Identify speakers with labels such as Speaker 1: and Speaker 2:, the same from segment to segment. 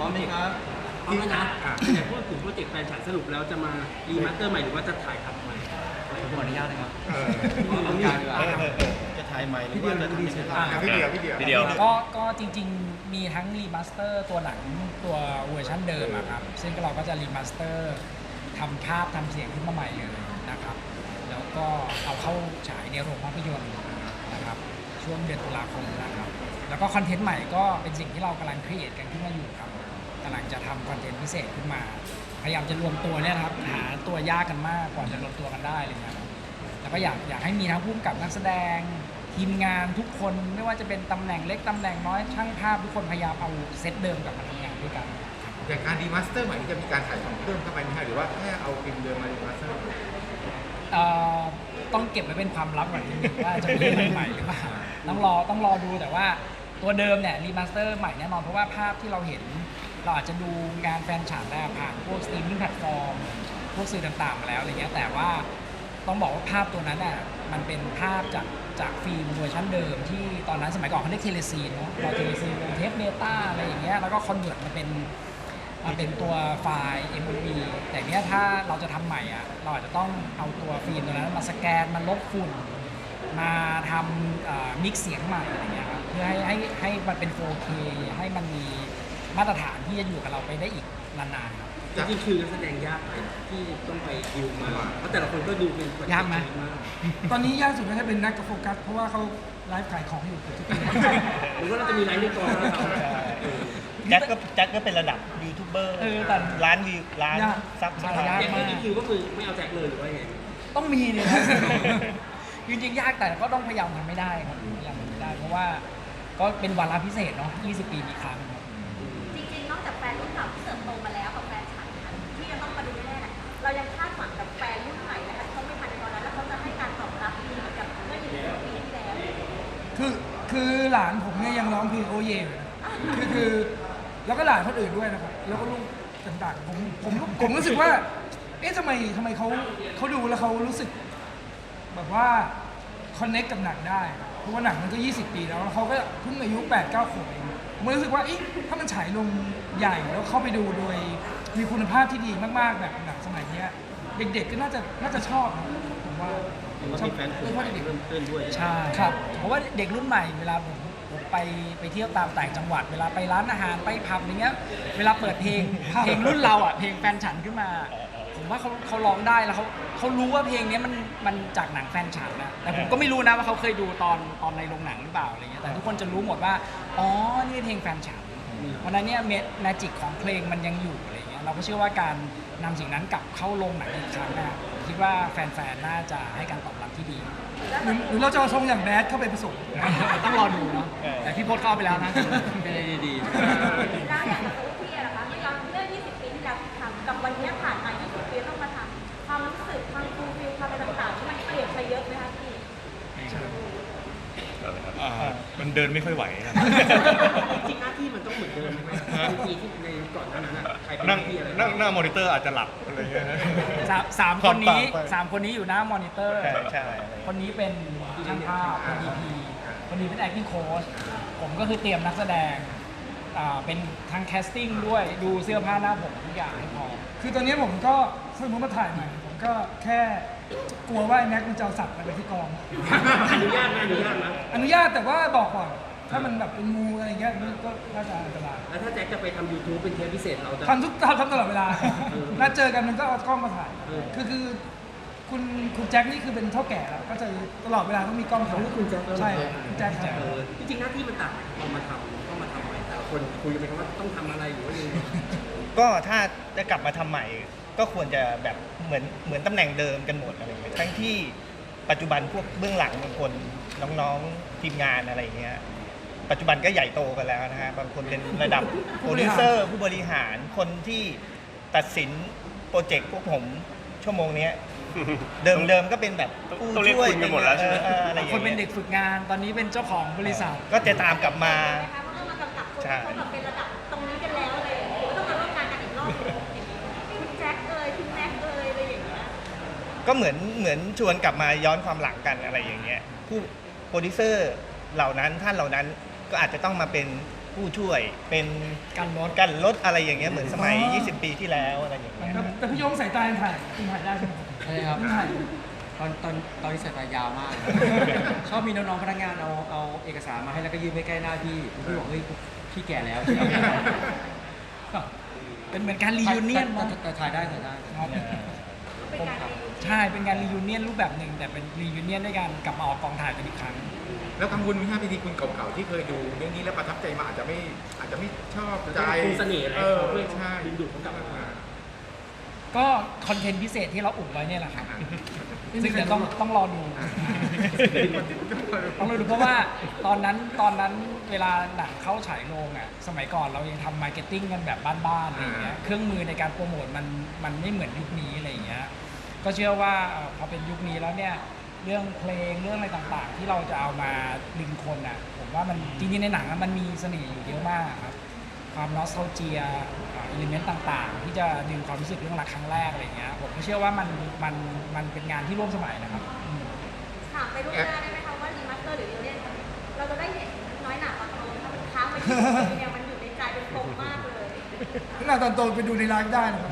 Speaker 1: ร้อมไหมครับพร้อมแล้วนะแต่พูดถึงโปรเจกต์แฟนฉันสรุปแล้วจะมารีมาสเตอร์ใหม่หรือว่าจะถ่ายทำใหม่ผมขออนุญาตนะครับเอาการดีกว่าจะถ่ายใหม่หรือว่าจะดีสุด
Speaker 2: พี่เดียว
Speaker 3: ก็จริงๆมีทั้งรีมาสเตอร์ตัวหนังตัวเวอร์ชันเดิมครับซึ่งเราก็จะรีมาสเตอร์ทำภาพทำเสียงขึ้นมาใหม่เลยนะครับแล้วก็เอาเข้าฉายในโรงภาพยนตร์นะครับช่วงเดือนตุลาคมนะครับแล้วก็คอนเทนต์ใหม่ก็เป็นสิ่งที่เรากำลังครีเอทกันขึ้นมาอยู่ครับกำลังจะทำคอนเทนต์พิเศษขึ้นมาพยายามจะรวมตัวเนี่ยครับหาตัวยากกันมากกว่าจะรวมตัวกันได้เลยนะครับแล้วก็อยากให้มีทั้งผู้กำกับนักแสดงทีมงานทุกคนไม่ว่าจะเป็นตำแหน่งเล็กตำแหน่งน้อยช่างภาพทุกคนพยายามเอาเซตเดิมกลับมาทำงานด้วยกัน
Speaker 2: อย่างการรีมาสเตอร์ใหม่จะมีการถ่ายทำเพิ่มเข้าไปไหมหรือว่าแค่เอาฟิล์มเดิมมารีมาสเตอร์
Speaker 3: ต้องเก็บไว้เป็นความลับก่อนนิดนึงว่าจะมีอะไรใหม่หรือเปล่าต้องรอดูแต่ว่าตัวเดิมเนี่ยรีมาสเตอร์ใหม่แน่นอนเพราะว่าภาพที่เราเห็นเราอาจจะดูงานแฟนฉันได้ผ่านพวกสตรีมมิ่งแพลตฟอร์มพวกสื่อต่างๆมาแล้วอะไรเงี้ยแต่ว่าต้องบอกว่าภาพตัวนั้นอ่ะมันเป็นภาพจากฟิล์มเวอร์ชันเดิมที่ตอนนั้นสมัยก่อนเขาเรียกเทเลซีนเนาะพอเทเลซีนลงเทปเบต้าอะไรอย่างเงี้ยแล้วก็คอนเวิร์ตมาเป็นตัวไฟล์ MOV แต่เนี้ยถ้าเราจะทำใหม่อ่ะเราอาจจะต้องเอาตัวฟิล์มตัวนั้นมาสแกนมาลบฝุ่นมาทำมิกซ์เสียงใหม่อะไรเงี้ยครับเพื่อให้มันเป็น 4K ให้มันมีมาตรฐานที่จะอยู่กับเราไปได้อีกนานๆครับ
Speaker 1: จริงๆคือนักแสดงยากไหมที่ต้องไปดิวมาเพราะแต่ละคนก็ดูเป็น
Speaker 3: ยากไหม
Speaker 4: ตอนนี้ยากสุดน่าจะเป็นนักกับโฟกัสเพราะว่าเขาไลฟ์ขายของอยู่ทุกปี
Speaker 1: หรือว่าเราจะมีไลฟ์ในกองแล้ว
Speaker 5: แจ็คก็เป็นระดับยูทูบเบอร์
Speaker 3: แต่
Speaker 5: ล้านวิวล้านซับสไครบ์
Speaker 1: อย่างนี้ก็คือไม่เอาแจ็คเลยหรือว่าไง
Speaker 3: ต้องมีเนี่ยจริงๆยากแต่ก็ต้องพยายามทำไม่ได้ครับพยายามทำไม่ได้เพราะว่าก็เป็นวาระพิเศษเนาะ20 ปีมีครั้งครับ
Speaker 6: จริงๆนอกจากแฟนรุ่นเก่าที่เติบโตมาแล้วกับแฟนฉันที่ยังต้องมาดูแน่ๆเรายังคาดหวังกับแฟนรุ่นใหม่นะคะเขาไม่ทันในตอนนั้นแล้วเขาจะให้การตอบรับดีเหมือนกับเมื่อ20 ปีที่แล้ว
Speaker 4: คือหลานผมเนี่ยยังร้องเพลงโอเย่คือแล้วก็หลานคนอื่นด้วยนะครับแล้วก็ลูกต่างๆผมรู้สึกว่าเอ๊ะทำไมเขาดูแล้วเขารู้สึกแบบว่าคอนเนคกับหนังได้เพราะว่าหนังมันก็20 ปีแล้วเขาก็เพิ่งอายุ 8-9 ขวบเองผมรู้สึกว่าถ้ามันฉายลงใหญ่แล้วเข้าไปดูโดยมีคุณภาพที่ดีมากๆแบบหนังสมัยนี้เด็กๆก็น่าจะชอบผมว่า
Speaker 1: ชอบแฟนคนเด็กเริ่มต้นด้วย
Speaker 3: ใช่ครับเพราะว่าเด็กรุ่นใหม่เวลาผมไปเที่ยวตามต่างจังหวัดเวลาไปร้านอาหารไปผับอย่างเงี้ยเวลาเปิดเพลงรุ่นเราอ่ะเพลงแฟนฉันขึ้นมาผมว่าเขาร้องได้แล้วเขารู้ว่าเพลงนี้มันจากหนังแฟนฉันนะแต่ผมก็ไม่รู้นะว่าเขาเคยดูตอนในโรงหนังหรือเปล่าอะไรเงี้ยแต่ทุกคนจะรู้หมดว่าอ๋อนี่เพลงแฟนฉันเพราะนั้นเนี่ยแมจิกของเพลงมันยังอยู่อะไรเงี้ยเราก็เชื่อว่าการนำสิ่งนั้นกลับเข้าโรงหนังอีกครั้งนะคิดว่าแฟนๆน่าจะให้การตอบรับที่ดี
Speaker 4: หรือเราจะเอาทรงอย่างแบดเข้าไปผสม
Speaker 3: ต้องรอดูเนาะแต่พี่พจน์เข้าไปแล้วนะ
Speaker 1: เป็นอะไรดี
Speaker 6: ๆแล้วอย่างตัวพี่อะนะคะเมื่อ20 ปีที่แล้วทำกับวันนี้ผ่านมา20 ปีต้องมาทำความรู้สึกความฟูลฟิลความอะไรต่างๆที่มันเปลี่ยนไปเยอะไหมคะพี่
Speaker 2: มันเดินไม่ค่อยไหวครับ
Speaker 1: จริงหน้าที่มันต้องเหมือนเดิมไหมปีที่ในก่อนหน้านั้นใครเป็นที่อะไร
Speaker 2: นั่งหน้ามอนิเตอร์อาจจะหลับอะไรเงี้ย
Speaker 3: สามคนนี้อยู่หน้ามอนิเตอร์คนนี้เป็นช่างภาพเป็น DP คนนี้เป็น acting coach ผมก็คือเตรียมนักแสดงเป็นทางแคสติ้งด้วยดูเสื้อผ้าหน้าผมทุกอย่างให้พอ
Speaker 4: คือตอนนี้ผมก็สมมติมาถ่ายใหม่ผมก็แค่กลัวว่าแม็กมันจะเอาสัตว์ไปที่กอง
Speaker 1: อนุญาตนะ
Speaker 4: อนุญาตแต่ว่าบอกก่อนถ้ามันแบบเป็นงูอะไรเงี้ยก็น่าจะอันตราย
Speaker 1: แล้วถ้าแจ็คจะไปทำ YouTube เป็นเทปพิเศษเราจะ
Speaker 4: ทำตลอดเวลานัดเจอกันมันก็เอากล้องมาถ่ายคือคุณแจ็คนี่คือเป็นเท่าแก่แล้วก็จะตลอดเวลาต้องมีกล้องถ่าย
Speaker 1: คุณแจ็ค
Speaker 4: ใช่คุณแจ็ค
Speaker 1: จริงๆหน้าที่มันต่างเอามาทำต้องมาทำใหม่แต่คนคุยกันไปว่าต้องทำอะไรหรือว่ายังไง
Speaker 5: ก็ถ้าจะกลับมาทำใหม่ก็ควรจะแบบเหมือนตำแหน่งเดิมกันหมดอะไรอย่างเงี้ยทั้งที่ปัจจุบันพวกเบื้องหลังบางคนน้องๆทีมงานอะไรเงี้ยปัจจุบันก็ใหญ่โตกันแล้วนะฮะบางคนเป็นระดับโปรดิวเซอร์ผู้บริหารคนที่ตัดสินโปรเจกต์พวกผมชั่วโมงนี้เดิมก็เป็นแบบผู้ช่วย
Speaker 2: กันหมดแล้วใช่ไหม
Speaker 3: อะไรอย่างเงี้ยคนเป็นเด็กฝึกงานตอนนี้เป็นเจ้าของบริษัท
Speaker 5: ก็จะตามกลับมา
Speaker 6: ใช่เขาแบบเป็นระดับตรงนี้กันแล้วเลยต้องมาร่วมงานกันอีกรอบคุณแจ็คคุณแม็กอะไรอย่างเงี้ย
Speaker 5: ก็เหมือนชวนกลับมาย้อนความหลังกันอะไรอย่างเงี้ยผู้โปรดิวเซอร์เหล่านั้นท่านเหล่านั้นก็อาจจะต้องมาเป็นผู้ช่วยเป็น
Speaker 3: กันรถ
Speaker 5: อะไรอย่างเงี้ยเหมือนสมัย
Speaker 4: อ๋อ
Speaker 5: 20 ปีที่แล้วอะไรอย่างเงี้ย
Speaker 4: แต่พี่โยงสายตายังถ่ายได้ใช่ไหม
Speaker 1: ใช่ครับ
Speaker 4: ยังถ่าย
Speaker 1: ตอนที่สายตายาวมาก ชอบมีน้องๆพนักงานเอาเอกสารมาให้แล้วก็ยื่นไปใกล้หน้าพี่บอกเฮ้ยพี่แก่แล้วพี่เอาไม่ได้
Speaker 3: เป็นเหมือนการรียูเนียน
Speaker 1: แต่ถ่ายได้
Speaker 6: เป็นการรีวิว
Speaker 3: ใช่เป็นการรียูเนียนรูปแบบหนึ่งแต่เป็นรียูเนียนด้วยการกลับมาออกกองถ่ายกันอีกครั้ง
Speaker 2: แล้วกังวลไหมฮะพิธีคุณเก่าๆที่เคยดูเรื่องนี้แล้วประทับใจมาอาจจะไม่ชอบใจ
Speaker 1: คงเสน่ห์อะไรเขาเพื่อ
Speaker 2: ใช่
Speaker 1: ดึงดูดเขากลับมา
Speaker 3: ก็คอนเทนต์พิเศษที่เราอุบไว้เนี่ยแหละครับ ซึ่งเดี๋ยวต้องรอดู ต้องรอดูเพราะว่าตอนนั้นเวลาหนังเข้าฉายโรงอ่ะสมัยก่อนเรายังทำมาร์เก็ตติ้งกันแบบบ้านๆอะไรอย่างเงี้ยเครื่องมือในการโปรโมทมันไม่เหมือนยุคนี้อะไรอย่างเงี้ยก็เชื่อว่าพอเป็นยุคนี้แล้วเนี่ยเรื่องเพลงเรื่องอะไรต่างๆ ที่เราจะเอามาดึงคนอ่ะผมว่ามันจริงๆในหนังอะมันมีเสน่ห์อยู่เยอะมากครับความนอสโทเจียอิเลเมนต์ต่างๆ ที่จะดึงความรู้สึกเรื่องรักครั้งแรกอะไรเงี้ยผมก็เชื่อว่ามันเป็นงานที่ร่วมสมัยนะครับ
Speaker 6: ถามไปล่วงหน้าได้ไหมคะว่ารีมาสเตอร์หรือรีเลียนเราจะได้เห็นน้อยหนาตอนโตถ้ามันค้างไป20 ปีเนี่ยมันอยู่ในใจเป็นปมมากเลย
Speaker 4: ขนาดตอนโตไปดูในไลฟ์ได้นะครับ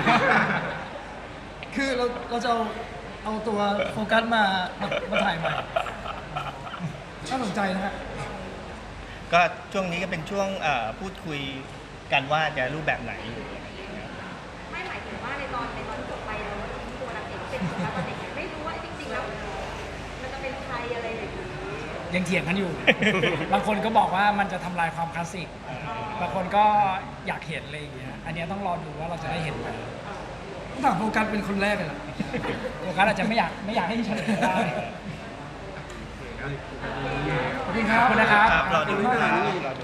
Speaker 4: คือเราจะเอาตัวโฟกัสมาถ่ายใหม่น่าสนใจนะฮะ
Speaker 5: ก็ช่วงนี้ก็เป็นช่วงพูดคุยกันว่าจะรูปแบบไหน
Speaker 6: ไม่หมายถึงว่าในตอนที่จบไปเราทิ้งตัวนางเอกเป็นตัวละครเด็กไม่รู้ว่าจริงๆแล้วมันจะเป็นใครอะไรอย่างนี้
Speaker 3: ยังเถียงกันอยู่ บางคนก็บอกว่ามันจะทำลายความคลาสสิก บางคนก็อยากเห็นอะไรอย่างเงี้ย อันเนี้ยต้องรอดูว่าเราจะได้เห็นไหม
Speaker 4: ต้องถามโฟกัสเป็นคนแรกเลยเหรอ
Speaker 3: โฟกัสอาจจะไม่อยากให้เฉลยได้
Speaker 4: ขอบคุณครับ
Speaker 3: ขอบคุณนะครับ
Speaker 5: ครับรอดู
Speaker 4: ขอบคุณมาก
Speaker 5: รอดู